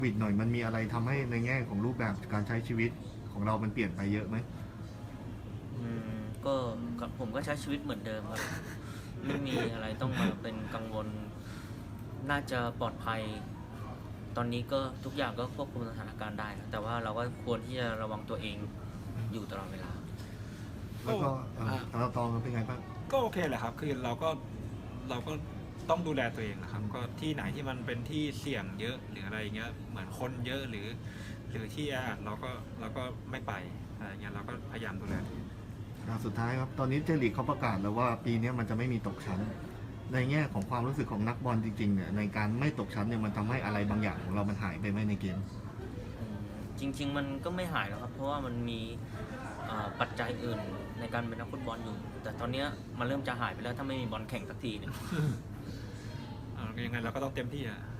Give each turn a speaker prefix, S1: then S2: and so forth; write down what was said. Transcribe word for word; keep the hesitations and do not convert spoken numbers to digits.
S1: วิดหน่อยมันมีอะไรทำให้ในแง่ของรูปแบบการใช้ชีวิตของเรามันเปลี่ยนไปเยอะไหม
S2: อืมก็ก็ผมก็ใช้ชีวิตเหมือนเดิมครับไม่มีอะไรต้องมาเป็นกังวลน่าจะปลอดภัย ตอนนี้ก็ทุกอย่างก็ควบคุมสถานการณ์ได้นะแต่ว่าเราก็ควรที่จะระวังตัวเองอยู่ตลอดเวลา
S1: แล้วก็เอ่อเราตองเป็นไงบ้าง
S3: ก็โอเคแหละครับคือเราก็เราก็ต้องดูแลตัวเองนะครับก็ที่ไหนที่มันเป็นที่เสี่ยงเยอะหรืออะไรเงี้ยเหมือนคนเยอะหรือหรือที่แออัดเราก็เราก็ไม่ไปอะไรเงี้ยเราก็พยายามดูแลตัวเอง
S1: อ่าสุดท้ายครับตอนนี้เจลีกเขาประกาศแล้วว่าปีนี้มันจะไม่มีตกชั้นในแง่ของความรู้สึกของนักบอลจริงๆเนี่ยในการไม่ตกชั้นเนี่ยมันทำให้อะไรบางอย่างของเรามันหายไปไหมในเกม
S2: อืมจริงๆมันก็ไม่หายหรอกครับเพราะว่ามันมีเอ่อปัจจัยอื่นในการเป็นนักฟุตบอลอยู่ แต่ตอนเนี้ยมันเริ่มจะหายไปแล้วถ้าไม่มีบอลแข่งสักทีหนึง
S3: อ่ายังไงเราก็ต้องเต็มที่อ่ะ